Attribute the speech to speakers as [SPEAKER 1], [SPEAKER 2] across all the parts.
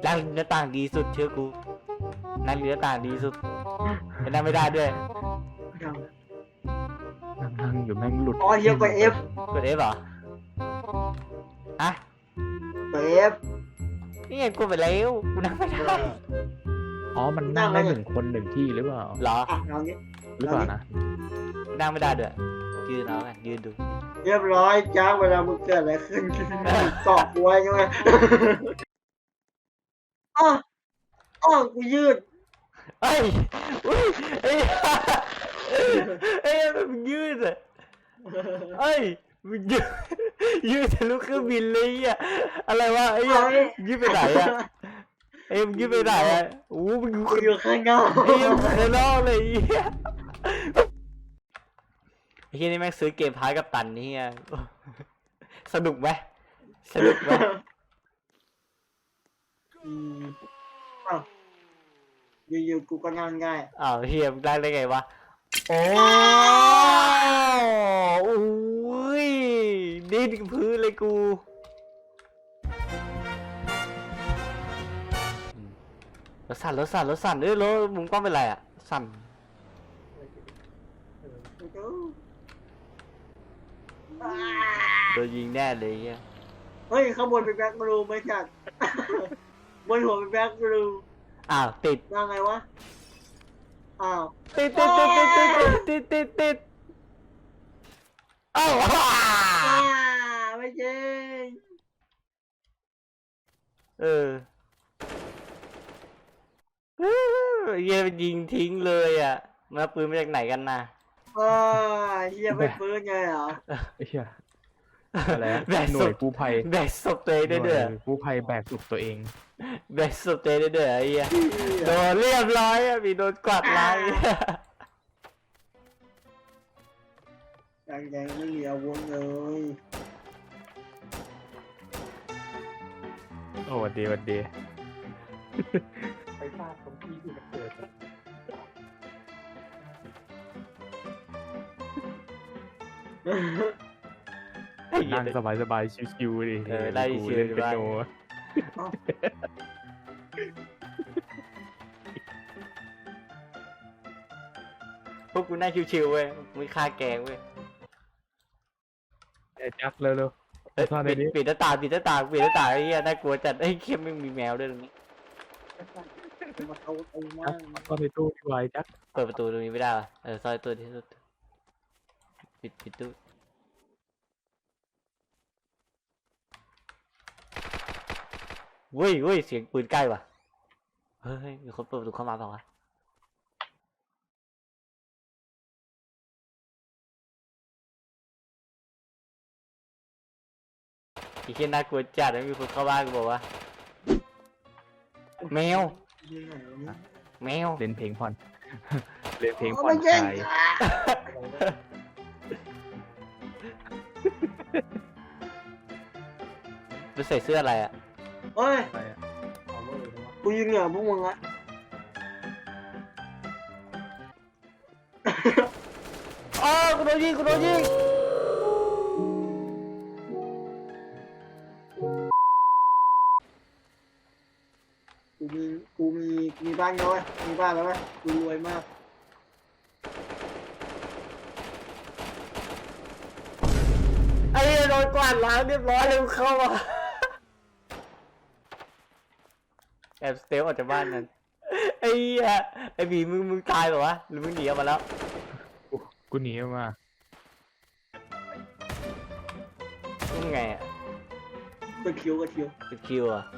[SPEAKER 1] นั่งหน้าต่างดีสุดเชื่อกูนั่งหน้าต่างดีสุดแต่นั่งไม่ได้ด้วย
[SPEAKER 2] นั่งอยู่แม่งหลุด
[SPEAKER 3] อ๋อเฮียกด F
[SPEAKER 1] กด F เหรอฮะ
[SPEAKER 3] กด F
[SPEAKER 1] นี่ไงกูไปแล้วกูนั่งไม่ได้
[SPEAKER 2] อ๋อมันนั่งได้1 คน1 ที่หรือเปล่า
[SPEAKER 1] เหรอ
[SPEAKER 3] อ่ะเอางี้
[SPEAKER 2] หรือเปล่านะ
[SPEAKER 1] นั่งไม่ได้ด้วยยืนเอาไงยืนดู
[SPEAKER 3] เรียบร้อยจ้าเวลามึงเกิดอะไรขึ้นเกาะกล้วยใช่ไหมอ๋ออ๋อกูยืด
[SPEAKER 1] เอ้ยอุ้ยเอ้ยเอ้ยมันยืดอ่ะเอ้ยมันยืดยืดทะลุเครื่องบินเลยอ่ะอะไรวะไอ้ยังยืดไปไหนอ่ะเอ้ยมันยืดไปไหนอ่ะโอ้มัน
[SPEAKER 3] กูอยู่ข้างนอก
[SPEAKER 1] ไอ้ยังข้างนอกเลยไอ้เหี้ยไอ้เหี้ยนี่แม่งซื้อเกมพายกับตันนี่อ่ะสนุกไหมสนุกไหม
[SPEAKER 3] อ้าวอยู่ๆกูก็นั่งได้
[SPEAKER 1] อ้าวเฮียมได้ไงวะโอ้โอ้ยดิ้นกับพื้นเลยกูรถสั่นเอ้ยรถมุมกล้องเป็นไรอ่ะสั่นโดนยิงแน่เลยเฮีย
[SPEAKER 3] เฮ้ยข้างบนเป็นแบ็คบลูไม่จัดบนหัวเป็นแบ็คบลู
[SPEAKER 1] อ้าวติด
[SPEAKER 3] ว่าไงวะอ้าว
[SPEAKER 1] ติดอ้าว
[SPEAKER 3] ไม่จริง
[SPEAKER 1] เออเฮียมันยิงทิ้งเลยอ่ะมาปืนมาจากไหนกันนะ
[SPEAKER 3] เฮียไม่ฟื้นไงเหรอ
[SPEAKER 2] ไอ้เหี้ยอะไรอะ
[SPEAKER 1] แบก
[SPEAKER 2] หน่
[SPEAKER 1] ศ
[SPEAKER 2] วย
[SPEAKER 1] พ
[SPEAKER 2] กู้ภัย
[SPEAKER 1] แบกศพตัวเองได้ด้วย
[SPEAKER 2] หน่กู้ภัยแบกศพตัวเอง
[SPEAKER 1] แบกศพตัวเองได้ด้วยไอ้เหี้ยโดนเรียบร้อยอ่ะมีโดนกวาดไล่
[SPEAKER 3] ยังไม่มีอาวุธเลย
[SPEAKER 2] โอ้วันดี
[SPEAKER 4] ไปฟาดตรงที่ที่มันเกิด
[SPEAKER 2] นั่งสบายชิวๆดิ
[SPEAKER 1] ได้
[SPEAKER 2] กู
[SPEAKER 1] ชิว
[SPEAKER 2] เล่น
[SPEAKER 1] อยู่
[SPEAKER 2] เป็น
[SPEAKER 1] บ้าง
[SPEAKER 2] โน
[SPEAKER 1] พวกกูนั่งชิวๆเว้ยไม่ฆ่าแกงเว้ย
[SPEAKER 2] ไอ้จักเร็ว
[SPEAKER 1] เอ้ย
[SPEAKER 2] ซ่อนในนี้
[SPEAKER 1] ปิดหน้าต่างไอ้เหี้ยน่ากลัวจัดไอ้ยเข้มไม่มีแมวด้วยตรงนี้
[SPEAKER 3] มาเอาไอ้
[SPEAKER 2] ๆ
[SPEAKER 3] มา
[SPEAKER 2] จักซ่อนในตู้ที่ไว้จัก
[SPEAKER 1] เปิดประตูตรงนี้ไม่ได้ป่ะซอยตัวที่สุดปิดตู้เว้ยเสียงปืนใกล้ว่ะเฮ้ยมีคนเปิดประตูเข้ามาเปล่าวะไอ้เหี้ยน่ากลัวจัดนะมีคนเข้าบ้านกูบอกว่าแมว แมว
[SPEAKER 2] เล่นเพลงผ่อน เล่นเพลงผ่อ
[SPEAKER 3] ไม่
[SPEAKER 2] น
[SPEAKER 3] จริ
[SPEAKER 2] ค
[SPEAKER 3] ง
[SPEAKER 2] ลาย
[SPEAKER 1] ดูใส่เสื้ออะไรอ่ะ
[SPEAKER 3] เฮ้ย
[SPEAKER 2] อะไรอะ
[SPEAKER 4] เอาเวอร์เลยวะ
[SPEAKER 3] กูยิงเหนือพวกมึงละ
[SPEAKER 1] อ๋อกูโดนยิง
[SPEAKER 3] กูมีบ้านแล้วไหมมีบ้านแล้วไหมกูรวยมาก
[SPEAKER 1] ไอ้เหี้ยโดนกวาดล้างเรียบร้อยเลยกูเข้ามาแอบสเตลออกจากบ้านนั้นไอ้เหี้ยไอ้บีมึงตายเหรอวะหรือมึงหนีออกมาแล้ว
[SPEAKER 2] กูหนีออกมา
[SPEAKER 1] มึงไงอ่ะ
[SPEAKER 3] กระคิว
[SPEAKER 1] เป็นคิวอ่ะ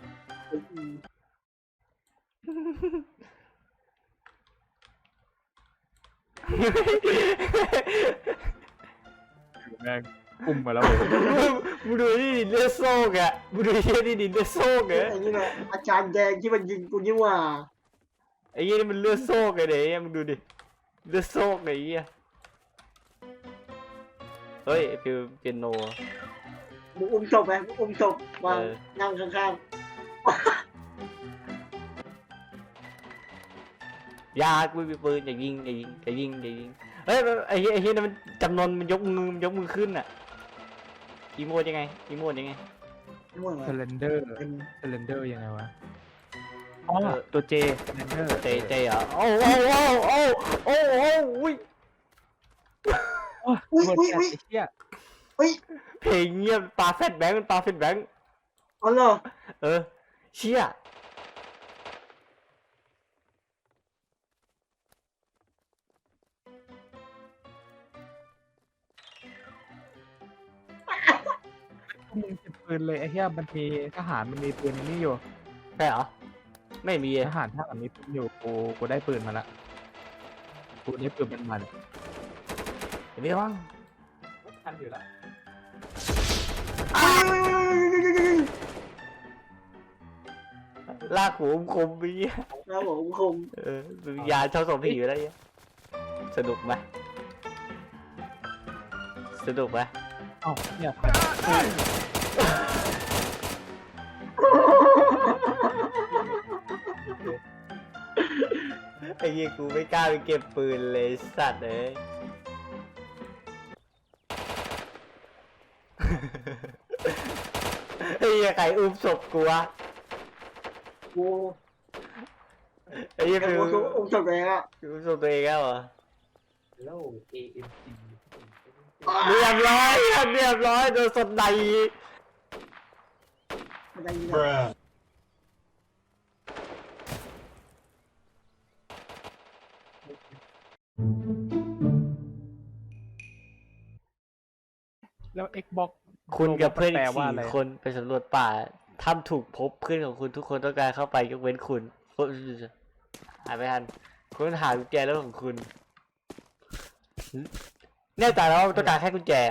[SPEAKER 2] แม่งอุ้มมาแล้วผม
[SPEAKER 1] มึงดูนี่ดิเลือดโซกอ่ะมึงดูที่นี่ดิเลือดโซกอ่ะ
[SPEAKER 3] ไอ้นี่แหละอาจารย์แดงที่มันยิงกูนี่หว่า
[SPEAKER 1] ไอ้เหี้ยนี่มันเลือดโซกไอ้เดี๋ยวมึงดูดิเลือดโซกไอ้เหี้ยเฮ้ยไอ้ฟิวเปียโน
[SPEAKER 3] มึงอุ้มศพไหมมึงอุ้มศพวางนั่งข้าง
[SPEAKER 1] ยากูมีปืนอย่ายิงเฮ้ยไอ้เหี้ยนั่นมันจำนวนมันยกมือขึ้นอ่ะอีโมดยังไง
[SPEAKER 3] ๆนี่หว่า
[SPEAKER 2] เซเลนเดอร์ยังไงวะอ๋อตัวเจแมนเดอร์
[SPEAKER 1] เจเหรอโอ้โอ้โอ้โอ้โอ้โอ้อุ้ย
[SPEAKER 3] อุ้ย
[SPEAKER 2] ตัว
[SPEAKER 3] อุ้ย
[SPEAKER 2] แฟด
[SPEAKER 3] อุ้ย
[SPEAKER 2] ไอ้เหี้ย
[SPEAKER 3] อุ้ย
[SPEAKER 1] เพลงเงียบปลาแฟดแบงค์มันปลาแฟดแบงค์
[SPEAKER 3] อ๋อเหรอ
[SPEAKER 1] เออเชี่ย
[SPEAKER 2] มึงเก็บปืนเลยไอ้เหี้ยมันมีทหารมันมีปืนนี่อยู่
[SPEAKER 1] ใช่เหรอไม่มี
[SPEAKER 2] ทหารมีปืนอยู่กูได้ปืนมาละกูได้ปืนมัน
[SPEAKER 1] เห็นไหมว่าง
[SPEAKER 4] ทันอยู่แล้ว
[SPEAKER 1] ลากหัวคมไปเงี้ย
[SPEAKER 3] ครับผมคม
[SPEAKER 1] เออวิญญาณชอบส่งผีอยู่แล้วเนี่ยสนุกไหมสนุกไหม
[SPEAKER 2] เอ้าเนี่ย
[SPEAKER 1] ไอ้เหี้ยกูไม่กล้าไปเก็บปืนเลยสัตว์เอ้ย ไอ้เหี้ยใครอุ้มศพกูวะ
[SPEAKER 3] กู
[SPEAKER 1] ไอ้เหี้ย
[SPEAKER 3] แต่
[SPEAKER 1] คือ
[SPEAKER 3] กูอุ้มศพเลยอะ
[SPEAKER 1] อุ้มศพตัวเองแล้วเหรอ
[SPEAKER 4] แล้ว AMG
[SPEAKER 1] เรียบร้อยเรียบร้อยโดนสดใด
[SPEAKER 3] อะไรอย่างเงี้ย
[SPEAKER 2] แล้ว Xbox
[SPEAKER 1] คุณกับเพื่อน
[SPEAKER 2] แปล
[SPEAKER 1] อีก
[SPEAKER 2] ว่าอะไร
[SPEAKER 1] 4 คนไปสำรวจป่าถ้ำถูกพบเพื่อนของคุณทุกคนต้องการเข้าไปยกเว้นคุณหายไปทันคุณหากุญแจแล้วของคุณแน่ใจแล้วว่าต้องการแค่กุญแจ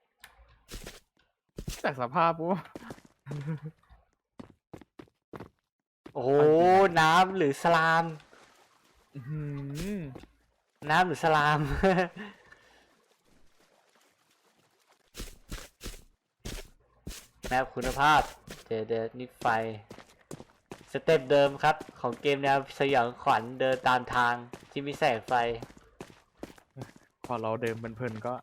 [SPEAKER 2] จากสภาพปุ๊บ
[SPEAKER 1] โอ้โหน้ำหรือสลาม
[SPEAKER 2] อื้อหือ
[SPEAKER 1] น้ำหรือสลาม แมปคุณภาพเดนิดไฟสเต็ปเดิมครับของเกมแนวสยองขวัญเดินตามทางที่มีแสงไฟ
[SPEAKER 2] พอเราเดินเพลินๆก็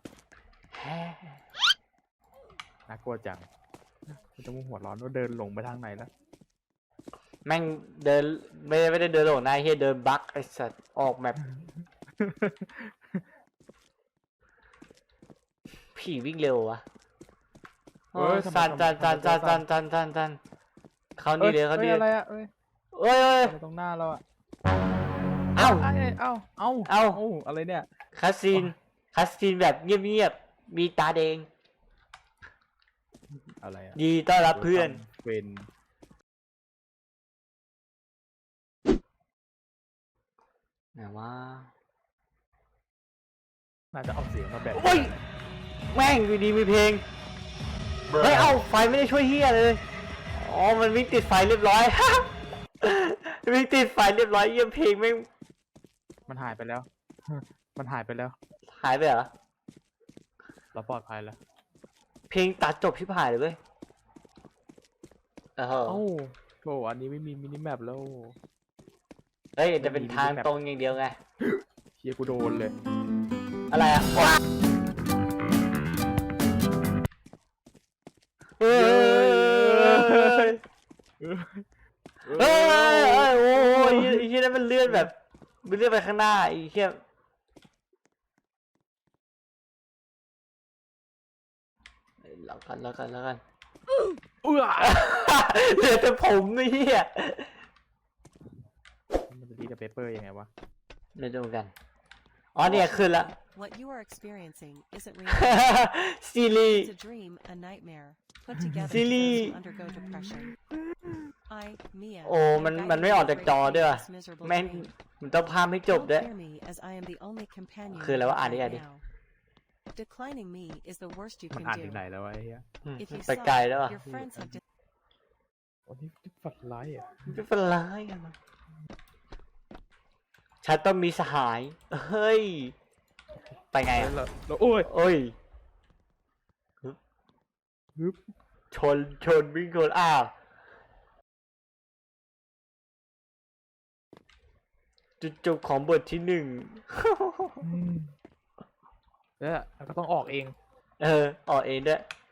[SPEAKER 2] น่ากลัวจังกูจะมุ่งหัวร้อนว่าเดินหลงไปทางไหนแล้ว
[SPEAKER 1] แม่งเดินไม่ได้เดินหลงนะเฮียเดินบั๊กไอสัตว์ออกแมปผีวิ่งเร็ววะ
[SPEAKER 2] เฮ้ยทำไม
[SPEAKER 1] จันเขานี่เลยเขานี่
[SPEAKER 2] อะไรอะเอ้ย
[SPEAKER 1] เอ้ย
[SPEAKER 2] อะไรตรงหน้าเราอะ
[SPEAKER 1] เอ้า
[SPEAKER 2] เอ้ยเอ้าอะไรเนี่ย
[SPEAKER 1] คัสซีนแบบเงียบๆมีตาแดง
[SPEAKER 2] อะไรอะ
[SPEAKER 1] ดีต้อนรับเพื่อน
[SPEAKER 2] เป็น
[SPEAKER 1] ไหนว่า
[SPEAKER 2] น่าจะเอาเสียงมาแบบ
[SPEAKER 1] โอ้ยแม่งอยู่ดีมีเพลงเฮ้ยเอ้าไฟไม่ได้ช่วยเฮียเลยอ๋อมันวิ่งติดไฟเรียบร้อย วิ่งติดไฟเรียบร้อยเยี่ยมเพลงแม่ง
[SPEAKER 2] มันหายไปแล้ว มันหายไปแล้ว
[SPEAKER 1] หายไปเหรอ
[SPEAKER 2] เราปลอดภัยแล้ว
[SPEAKER 1] เพลงตัดจบชิบหายเลยเว้ยเออ
[SPEAKER 2] เอ้าโหอันนี้ไม่มีมินิแมปแล้ว
[SPEAKER 1] เฮ้ยจะเป็นทางตรงอย่างเดียวไง
[SPEAKER 2] เฮียกูโดนเลย
[SPEAKER 1] อะไรอ่ะเฮ้ยเฮ้ยโอ้ยไอ้เหี้ยนั่นมันเลื่อนแบบมันเลื่อนไปข้างหน้าไอ้เหี้ยแล้วกัน
[SPEAKER 2] เอื้อ
[SPEAKER 1] เหลือแต่ผมไอ้เหี้ย
[SPEAKER 2] มันจะดีกับเปเปอร์ยังไงวะ
[SPEAKER 1] ไม่ดูกันอ๋อเนี่ยขึ้นละ
[SPEAKER 5] What you are experiencing isn't
[SPEAKER 1] ซีรี
[SPEAKER 5] It's a dream, a nightmare, put together for
[SPEAKER 1] Silly.
[SPEAKER 5] those who undergo depression. I, Mia,
[SPEAKER 1] โอ้มันไม่ออกจากจอด้วยว่ะ
[SPEAKER 5] this miserable
[SPEAKER 1] แม่ง
[SPEAKER 5] dream.
[SPEAKER 1] มันต้องพาไม่จบ
[SPEAKER 5] Don't
[SPEAKER 1] ด้วย
[SPEAKER 5] fear me as I am the only companion
[SPEAKER 1] คืออะไรวะ
[SPEAKER 5] you
[SPEAKER 1] อ่าน
[SPEAKER 5] have
[SPEAKER 1] ดิอ่านดิ
[SPEAKER 5] right now. Declining me is the worst you
[SPEAKER 2] มัน
[SPEAKER 5] can
[SPEAKER 2] อ่านถึงไหน
[SPEAKER 5] do.
[SPEAKER 2] แล้ววะไอ้เฮีย
[SPEAKER 5] If you
[SPEAKER 1] ไปไกล
[SPEAKER 5] saw,
[SPEAKER 1] แล้วอ่ะ
[SPEAKER 5] your friends have
[SPEAKER 2] โอ้นี่ฝันร้ายอ่ะ
[SPEAKER 1] ไม่เป็นไรอะฉันต้องมีสหาย เฮ้ย ไปไงอ่ะ
[SPEAKER 2] แล้วโอ้ย
[SPEAKER 1] โอ้ย
[SPEAKER 2] ฮึบ
[SPEAKER 1] ชนวิ่งชนอ้าว จุดจบของบทที่ 1
[SPEAKER 2] แล้วก็ต้องออกเอง
[SPEAKER 1] ออกเองด้วย